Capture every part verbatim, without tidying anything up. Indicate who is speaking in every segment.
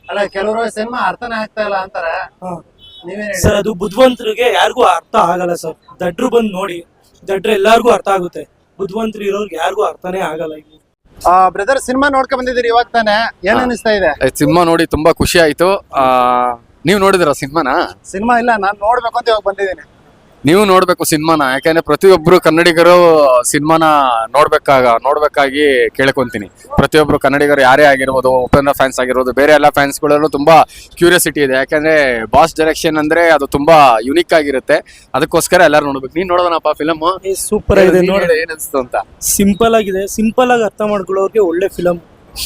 Speaker 1: ಅಲ್ಲ ಕೆಲವರು ಸಿನಿಮಾ ಅರ್ಥನೇ ಆಗ್ತಾ ಇಲ್ಲ ಅಂತಾರೆ. ನೀವೇನ್ ಹೇಳಿ?
Speaker 2: ಸರ್ ಅದು ಬುದ್ಧಿವಂತರಿಗೆ ಯಾರಿಗೂ ಅರ್ಥ ಆಗಲ್ಲ ಸರ್. ದಡ್ರು ಬಂದು ನೋಡಿ, ದಡ್ರು ಎಲ್ಲಾರ್ಗೂ ಅರ್ಥ ಆಗುತ್ತೆ. ಬುದ್ಧಿವಂತರು ಇರೋರ್ಗೆ ಯಾರಿಗೂ ಅರ್ಥನೇ ಆಗಲ್ಲ.
Speaker 1: ಬ್ರದರ್ ಸಿನಿಮಾ ನೋಡ್ಕೊಂಡ್ ಬಂದಿದ್ದೀರಿ ಇವಾಗ ತಾನೆ, ಏನ್ ಅನಿಸ್ತಾ ಇದೆ?
Speaker 3: ಸಿನಿಮಾ ನೋಡಿ ತುಂಬಾ ಖುಷಿ ಆಯ್ತು. ಆ ನೀವ್ ನೋಡಿದ್ರ ಸಿನಿಮಾನ?
Speaker 1: ಸಿನಿಮಾ ಇಲ್ಲ, ನಾನ್ ನೋಡ್ಬೇಕು ಅಂತ ಇವಾಗ ಬಂದಿದ್ದೀನಿ.
Speaker 3: ನೀವು ನೋಡ್ಬೇಕು ಸಿನಿಮಾನ, ಯಾಕಂದ್ರೆ ಪ್ರತಿಯೊಬ್ರು ಕನ್ನಡಿಗರು ಸಿನಿಮಾನ ನೋಡ್ಬೇಕಾಗ ನೋಡ್ಬೇಕಾಗಿ ಕೇಳ್ಕೊಂತೀನಿ. ಪ್ರತಿಯೊಬ್ರು ಕನ್ನಡಿಗರು ಯಾರೇ ಆಗಿರ್ಬೋದು, ಉಪೇಂದ್ರ ಫ್ಯಾನ್ಸ್ ಆಗಿರ್ಬೋದು, ಬೇರೆ ಎಲ್ಲ ಫ್ಯಾನ್ಸ್ ಗಳಲ್ಲೂ ತುಂಬಾ ಕ್ಯೂರಿಯಾಸಿಟಿ ಇದೆ. ಯಾಕಂದ್ರೆ ಬಾಸ್ ಡೈರೆಕ್ಷನ್ ಅಂದ್ರೆ ಅದು ತುಂಬಾ ಯುನಿಕ್ ಆಗಿರುತ್ತೆ. ಅದಕ್ಕೋಸ್ಕರ ಎಲ್ಲರೂ ನೋಡ್ಬೇಕು. ನೀನ್ ನೋಡೋದನಪ್ಪ ಫಿಲಮ್?
Speaker 2: ಸೂಪರ್ ಆಗಿದೆ ನೋಡಿ.
Speaker 3: ಏನ್ ಅನ್ಸ್ತು ಅಂತ?
Speaker 2: ಸಿಂಪಲ್ ಆಗಿದೆ, ಸಿಂಪಲ್ ಆಗಿ ಅರ್ಥ ಮಾಡ್ಕೊಳ್ಳೋರಿಗೆ ಒಳ್ಳೆ ಫಿಲಮ್.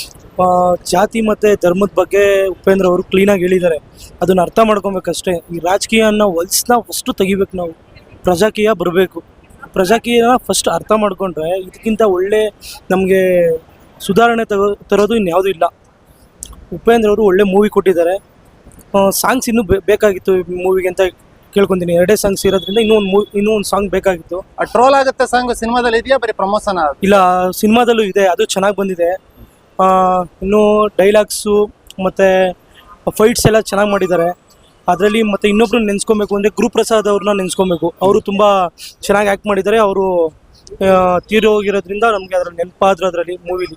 Speaker 2: ಜಾತಿ ಮತ್ತೆ ಧರ್ಮದ ಬಗ್ಗೆ ಉಪೇಂದ್ರ ಅವರು ಕ್ಲೀನ್ ಆಗಿ ಹೇಳಿದ್ದಾರೆ. ಅದನ್ನ ಅರ್ಥ ಮಾಡ್ಕೊಬೇಕಷ್ಟೇ. ಈ ರಾಜಕೀಯ ಅನ್ನೋ ಹೊಲ್ಸ್ನ ಫಸ್ಟ್ ತೆಗಿಬೇಕು ನಾವು. ಪ್ರಜಾಕೀಯ ಬರಬೇಕು. ಪ್ರಜಾಕೀಯನ ಫಸ್ಟ್ ಅರ್ಥ ಮಾಡ್ಕೊಂಡ್ರೆ ಇದಕ್ಕಿಂತ ಒಳ್ಳೆ ನಮಗೆ ಸುಧಾರಣೆ ತಗೋ ತರೋದು ಇನ್ಯಾವುದೂ ಇಲ್ಲ. ಉಪೇಂದ್ರ ಅವರು ಒಳ್ಳೆ ಮೂವಿ ಕೊಟ್ಟಿದ್ದಾರೆ. ಸಾಂಗ್ಸ್ ಇನ್ನೂ ಬೇಕಾಗಿತ್ತು ಮೂವಿಗೆ ಅಂತ ಕೇಳ್ಕೊತೀನಿ. ಎರಡೇ ಸಾಂಗ್ಸ್ ಇರೋದ್ರಿಂದ ಇನ್ನೂ ಒಂದು ಮೂವಿ ಇನ್ನೂ ಒಂದು ಸಾಂಗ್ ಬೇಕಾಗಿತ್ತು.
Speaker 1: ಟ್ರೋಲ್ ಆಗುತ್ತೆ ಸಾಂಗ್ ಸಿನಿಮಾದಲ್ಲಿ ಇದೆಯಾ, ಬರೀ ಪ್ರಮೋಷನ್?
Speaker 2: ಇಲ್ಲ, ಸಿನಿಮಾದಲ್ಲೂ ಇದೆ, ಅದು ಚೆನ್ನಾಗಿ ಬಂದಿದೆ. ಇನ್ನು ಡೈಲಾಗ್ಸು ಮತ್ತು ಫೈಟ್ಸ್ ಎಲ್ಲ ಚೆನ್ನಾಗಿ ಮಾಡಿದ್ದಾರೆ ಅದರಲ್ಲಿ. ಮತ್ತು ಇನ್ನೊಬ್ರು ನೆನೆಸ್ಕೊಬೇಕು ಅಂದರೆ ಗುರುಪ್ರಸಾದ್ ಅವ್ರನ್ನ ನೆನೆಸ್ಕೊಬೇಕು. ಅವರು ತುಂಬ ಚೆನ್ನಾಗಿ ಆ್ಯಕ್ಟ್ ಮಾಡಿದ್ದಾರೆ. ಅವರು ತೀರಿ ಹೋಗಿರೋದ್ರಿಂದ ನಮಗೆ ಅದ್ರಲ್ಲಿ ನೆನಪಾದ್ರು ಅದರಲ್ಲಿ ಮೂವಿಲಿ.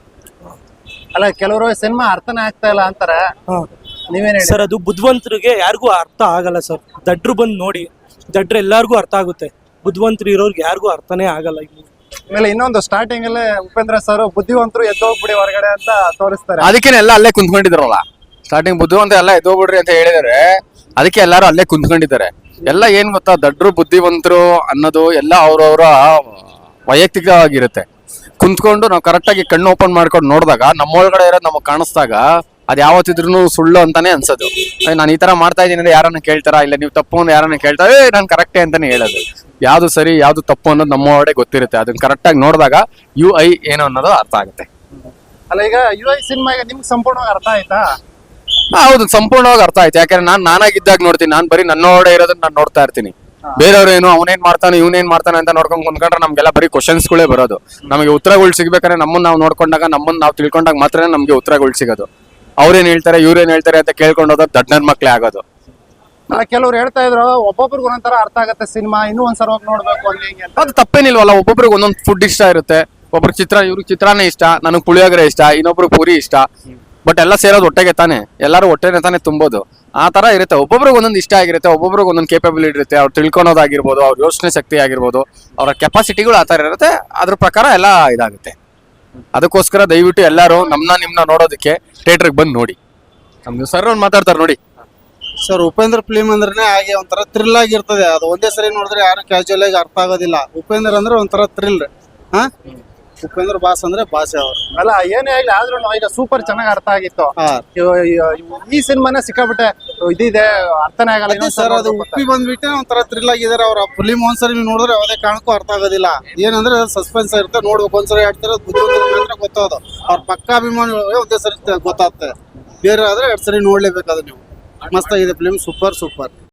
Speaker 1: ಅಲ್ಲ ಕೆಲವರು ಸಿನಿಮಾ ಅರ್ಥನೇ ಆಗ್ತಾ ಇಲ್ಲ ಅಂತಾರೆ. ನೀವೇನ್ ಹೇಳಿ?
Speaker 2: ಸರ್ ಅದು ಬುದ್ಧಿವಂತರಿಗೆ ಯಾರಿಗೂ ಅರ್ಥ ಆಗಲ್ಲ ಸರ್. ದಡ್ರು ಬಂದು ನೋಡಿ, ದಡ್ರು ಎಲ್ಲರಿಗೂ ಅರ್ಥ ಆಗುತ್ತೆ. ಬುದ್ಧಿವಂತರು ಇರೋರ್ಗೆ ಯಾರಿಗೂ ಅರ್ಥನೇ ಆಗಲ್ಲ.
Speaker 1: ಆಮೇಲೆ ಇನ್ನೊಂದು ಸ್ಟಾರ್ಟಿಂಗ್ ಅಲ್ಲೇ ಉಪೇಂದ್ರ ಸರ್ ಬುದ್ಧಿವಂತರು ಎದ್ದೋಗ್ಬಿಡಿ ಹೊರಗಡೆ ಅಂತ ತೋರಿಸ್ತಾರೆ.
Speaker 3: ಅದಕ್ಕೆ ಎಲ್ಲ ಅಲ್ಲೇ ಕುಂತ್ಕೊಂಡಿದ್ರಲ್ಲ. ಸ್ಟಾರ್ಟಿಂಗ್ ಬುದ್ಧಿವಂತ ಎಲ್ಲ ಎದ್ದೋಗ್ಬಿಡ್ರಿ ಅಂತ ಹೇಳಿದಾರೆ. ಅದಕ್ಕೆ ಎಲ್ಲಾರು ಅಲ್ಲೇ ಕುಂತ್ಕೊಂಡಿದ್ದಾರೆ. ಎಲ್ಲ ಏನ್ ಗೊತ್ತಾ, ದಡ್ರು ಬುದ್ಧಿವಂತರು ಅನ್ನೋದು ಎಲ್ಲ ಅವ್ರವ್ರ ವೈಯಕ್ತಿಕವಾಗಿರುತ್ತೆ. ಕುಂತ್ಕೊಂಡು ನಾವು ಕರೆಕ್ಟಾಗಿ ಕಣ್ಣು ಓಪನ್ ಮಾಡ್ಕೊಂಡು ನೋಡಿದಾಗ ನಮ್ಮೊಳಗಡೆ ಇರೋದು ನಮಗೆ ಕಾಣಿಸ್ದಾಗ ಅದು ಯಾವತ್ತಿದ್ರು ಸುಳ್ಳು ಅಂತಾನೆ ಅನ್ಸೋದು. ನಾನು ಈ ತರ ಮಾಡ್ತಾ ಇದ್ದೀನಿ ಅಂದ್ರೆ ಯಾರನ್ನ ಕೇಳ್ತಾರ, ಇಲ್ಲ ನೀವು ತಪ್ಪು ಅಂದ್ರೆ ಯಾರನ್ನ ಕೇಳ್ತಾರ, ಏ ನಾನು ಕರೆಕ್ಟೇ ಅಂತಾನೆ ಹೇಳೋದು. ಯಾವ್ದು ಸರಿ ಯಾವ್ದು ತಪ್ಪು ಅನ್ನೋದು ನಮ್ಮ ಒಳಗಡೆ ಗೊತ್ತಿರುತ್ತೆ. ಅದನ್ನ ಕರೆಕ್ಟಾಗಿ ನೋಡಿದಾಗ ಯು ಐ ಏನು ಅನ್ನೋದು ಅರ್ಥ ಆಗುತ್ತೆ.
Speaker 1: ಅಲ್ಲ ಈಗ ಯು ಐ ಸಿನಿಮಾ ಈಗ ನಿಮ್ಗೆ ಸಂಪೂರ್ಣವಾಗಿ ಅರ್ಥ ಆಯ್ತಾ?
Speaker 3: ಹೌದು, ಸಂಪೂರ್ಣವಾಗಿ ಅರ್ಥ ಆಯ್ತು. ಯಾಕಂದ್ರೆ ನಾನ್ ನಾನಾಗಿದ್ದಾಗ ನೋಡ್ತೀನಿ. ನಾನ್ ಬರೀ ನನ್ನೊಳಗಡೆ ಇರೋದನ್ನ ನಾನು ನೋಡ್ತಾ ಇರ್ತೀನಿ. ಬೇರೆಯವ್ರು ಏನು ಅವನೇನ್ ಮಾಡ್ತಾನೆ ಇವನೇನ್ ಮಾಡ್ತಾನೆ ಅಂತ ನೋಡ್ಕೊಂಡ್ ಕುಂತ್ಕೊಂಡ್ರೆ ನಮ್ಗೆಲ್ಲ ಬರೀ ಕ್ವಶನ್ಸ್ಗಳೇ ಬರೋದು. ನಮಗೆ ಉತ್ತರಗಳು ಸಿಗ್ಬೇಕಾದ್ರೆ ನಮ್ಮನ್ನ ನಾವು ನೋಡ್ಕೊಂಡಾಗ, ನಮ್ಮನ್ನ ನಾವು ತಿಳ್ಕೊಂಡಾಗ ಮಾತ್ರ ನಮ್ಗೆ ಉತ್ತರಗಳು ಸಿಗೋದು. ಅವ್ರೇನ್ ಹೇಳ್ತಾರೆ ಇವ್ರೇನ್ ಹೇಳ್ತಾರೆ ಅಂತ ಕೇಳ್ಕೊಂಡು ಹೋದಾಗ ದಡ್ಡನ್ ಮಕ್ಳೇ ಆಗೋದು.
Speaker 1: ಕೆಲವ್ರು ಹೇಳ್ತಾ ಇದ್ರು ಒಬ್ಬೊಬ್ರಿಗೆ ಒಂದೊಂದರ ಅರ್ಥ ಆಗತ್ತೆ ಸಿನಿಮಾ, ಇನ್ನೂ ಒಂದ್ಸಲ ಹೋಗಿ ನೋಡ್ಬೇಕು ಹಂಗೆ ಹಿಂಗೆ ಅಂತ.
Speaker 3: ಅದು ತಪ್ಪೇನಿಲ್ವಲ್ಲ. ಒಬ್ಬೊಬ್ರಿಗೆ ಒಂದೊಂದು ಫುಡ್ ಇಷ್ಟ ಇರುತ್ತೆ. ಒಬ್ರಿಗೆ ಚಿತ್ರ, ಇವ್ರಿಗೆ ಚಿತ್ರಾನೇ ಇಷ್ಟ, ನನಗೆ ಪುಳಿಯೋಗರೆ ಇಷ್ಟ, ಇನ್ನೊಬ್ರಿಗೆ ಪೂರಿ ಇಷ್ಟ. ಬಟ್ ಎಲ್ಲ ಸೇರೋದು ಹೊಟ್ಟೆಗೆ ತಾನೆ, ಎಲ್ಲರೂ ಹೊಟ್ಟೆನೆ ತಾನೆ ತುಂಬೋದು. ಆ ತರ ಇರುತ್ತೆ. ಒಬ್ಬೊಬ್ರಿಗೆ ಒಂದೊಂದು ಇಷ್ಟ ಆಗಿರುತ್ತೆ, ಒಬ್ಬೊಬ್ರಿಗೆ ಒಂದೊಂದು ಕೇಪಬಿಲಿಟಿ ಇರುತ್ತೆ. ಅವ್ರು ತಿಳ್ಕೊಳೋದಾಗಿರ್ಬೋದು, ಅವ್ರ ಯೋಚನೆ ಶಕ್ತಿ ಆಗಿರ್ಬೋದು, ಅವರ ಕೆಪಾಸಿಟಿಗಳು ಆ ತರ ಇರುತ್ತೆ. ಅದ್ರ ಪ್ರಕಾರ ಎಲ್ಲ ಇದಾಗುತ್ತೆ. ಅದಕ್ಕೋಸ್ಕರ ದಯವಿಟ್ಟು ಎಲ್ಲರೂ ನಮ್ನ ನಿಮ್ನ ನೋಡೋದಕ್ಕೆ ಥಿಯೇಟರ್ಗೆ ಬಂದು ನೋಡಿ. ನಮ್ಗೆ ಸರ್ ಅವ್ರು ಮಾತಾಡ್ತಾರೆ ನೋಡಿ.
Speaker 4: ಸರ್ ಉಪೇಂದ್ರ ಫಿಲ್ಮ್ ಅಂದ್ರೆ ಹಾಗೆ ಒಂಥರ ಥ್ರಿಲ್ ಆಗಿರ್ತದೆ. ಅದು ಒಂದೇ ಸರಿ ನೋಡಿದ್ರೆ ಯಾರು ಕ್ಯಾಶುಯಲ್ ಆಗಿ ಅರ್ಥ ಆಗೋದಿಲ್ಲ. ಉಪೇಂದ್ರ ಅಂದ್ರೆ ಒಂಥರ ಥ್ರಿಲ್. ಹಾ, ಉಪೇಂದ್ರ ಬಾಸ್ ಅಂದ್ರೆ ಬಾಸೆ ಅವರು.
Speaker 1: ಅಲ್ಲ ಏನೇ ಆಗ್ಲಿ ಆದ್ರೂ ಈಗ ಸೂಪರ್ ಚೆನ್ನಾಗಿ ಅರ್ಥ ಆಗಿತ್ತು. ಈ ಸಿನಿಮಾನೇ ಸಿಕ್ಕಾಬಿಟ್ಟೆ ಇದಿದೆ, ಅರ್ಥನೇ ಆಗಲ್ಲ
Speaker 4: ಸರ್. ಅದು ಉಪ್ಪಿ ಬಂದ್ಬಿಟ್ಟೆ ಒಂಥರ ಥ್ರಿಲ್ ಆಗಿದ್ದಾರೆ. ಅವ್ರ ಫಿಲ್ಮ್ ಒಂದ್ಸರಿ ನೀವು ನೋಡಿದ್ರೆ ಯಾವುದೇ ಕಾರಣಕ್ಕೂ ಅರ್ಥ ಆಗೋದಿಲ್ಲ. ಏನಂದ್ರೆ ಸಸ್ಪೆನ್ಸ್ ಇರುತ್ತೆ, ನೋಡ್ಬೇಕು. ಒಂದ್ಸರಿ ಹೇಳ್ತಾರೆ ಬುದ್ಧಿವಂತರ ಗೊತ್ತಾಗೋದು. ಅವ್ರ ಪಕ್ಕ ಅಭಿಮಾನಿಗಳು ಒಂದೇ ಸರಿ ಗೊತ್ತಾಗ್ತದೆ. ಬೇರೆ ಆದ್ರೆ ಎರಡ್ ಸರಿ ನೋಡ್ಲೇಬೇಕು. ಅದು ನೀವು ಮಸ್ತ್ ಆಗಿದೆ ಫಿಲ್ಮ್, ಸೂಪರ್ ಸೂಪರ್.